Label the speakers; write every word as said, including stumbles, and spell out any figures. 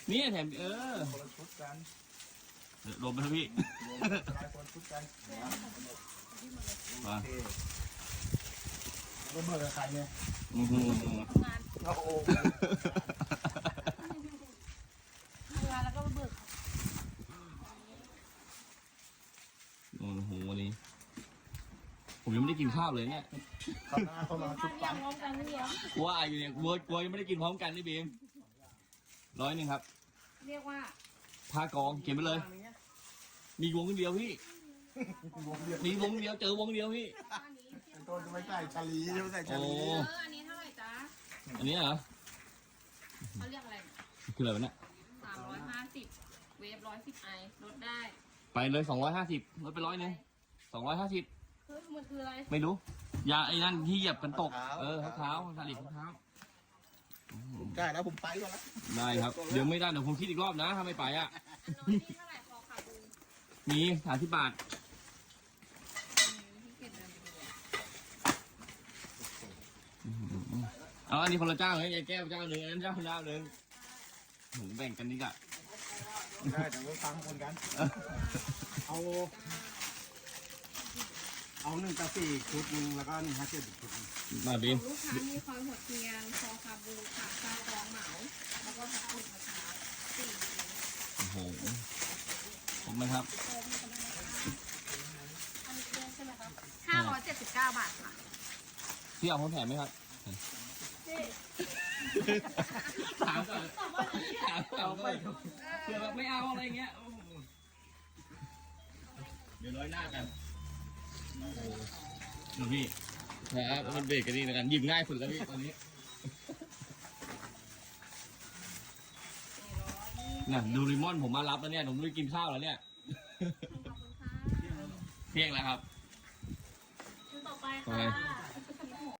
Speaker 1: นี่แถมเออ
Speaker 2: คนละชุดกัน
Speaker 1: รวมไปครับพี่
Speaker 2: รวมหลายคนชุดกันโอเคก็เบิกกับใครเนี่ย
Speaker 1: อือหือ
Speaker 3: ทำงาน
Speaker 2: เราโอ้
Speaker 3: ทำงานแล้วก็มาเบิก
Speaker 1: โอ้โหวันนี้ผมยังไม่ได้กินข้าวเลยเนี่ย
Speaker 2: เขาหน้าเขามาชุ
Speaker 3: ข้า
Speaker 2: ด
Speaker 3: ว
Speaker 2: ปั
Speaker 3: ยัง งพร้อมกันนี่เหรอก
Speaker 1: ลัวอยู่เนี่ยกลัวกลัวยังไม่ได้กินพร้อมกันนี่บีมร้อยหนึ่งครับ
Speaker 3: เรียกว่า
Speaker 1: พากองเขียนไปเลย มีวงเดียวพี่
Speaker 2: วงเดียว
Speaker 1: มีวงเดียวเจอวงเดียวพี่
Speaker 3: อันนี้
Speaker 2: เป็นต้นจะไม่ใส่ชาลีจะไม่ใส่ชา
Speaker 1: โอ้
Speaker 2: ลี
Speaker 3: เอออันนี้เท่าไหร่จ๊ะ
Speaker 1: อันนี้เหรอ
Speaker 3: เขาเรียกอะไร
Speaker 1: คืออะไรวะเนี่ย
Speaker 3: สามร้อยห้าสิบเวฟร้อยสิบไอลดได้
Speaker 1: ไปเลยสองร้อยห้าสิบลดไปร้อยหนึ่งสองร้อยห้าสิบ
Speaker 3: เฮ้ยมันคืออะไร
Speaker 1: ไม่รู้ยาไอ้นั่นที่เหยียบกันตกเออเท้าๆสลิดเท้า
Speaker 2: ได้แล้วผมไปก่อนแล้ว
Speaker 1: ได้ครับเดี๋ยวไม่ได้เดี๋ยวผมคิดอีกรอบนะถ้าไม่ไปอ่ะ
Speaker 3: อันน้อยนี่เท่าไหร่คอขาบู
Speaker 1: มีสามสิบบาท
Speaker 3: ที่เก็บเดินไปดูอะ
Speaker 1: เอาอันนี้คนละเจ้าไงยายแก้วเจ้าหนึ่งอันนั้นเจ้าเจ้าหนึ่งหนูแบ่งกันนี่กะ
Speaker 2: ได้แต่ว่าตังคนกัน เอา เอาหนึ่งตาสี่ชุดหนึ่งแล้วก็หนึ่งห้าเจ็ดชุด
Speaker 1: มาบีม
Speaker 3: ลูกค้ามีคอยหัวเทียนคอขาบูค่ะซาตองเหมาแล้วก็ผักบุ้งมะพร้าวสี่
Speaker 1: โอ้โหผมไหมครับ
Speaker 3: ห้าร้อยเจ็ดสิบเก้าบาทค่ะ
Speaker 1: พี่เอาคนแถมไหมครับถามก่อนถามก่อนเผื่อแบบไม่เอาอะไรเงี้ยโอ้โหเดี๋ยวน้อยหน้ากันโอ้โหดูพี่ครับมันเบรกกันดีนะกันหยิบง่ายสุดแล้วพี่ตอนนี้น่ะดูริมอนผมมารับแล้วเนี่ยผมไม่ได้กินข้าวแล้วเนี่ย
Speaker 3: ขอบคุณค่ะ
Speaker 1: เที่ยงแล้วครับ
Speaker 3: ต่อไปค่ะ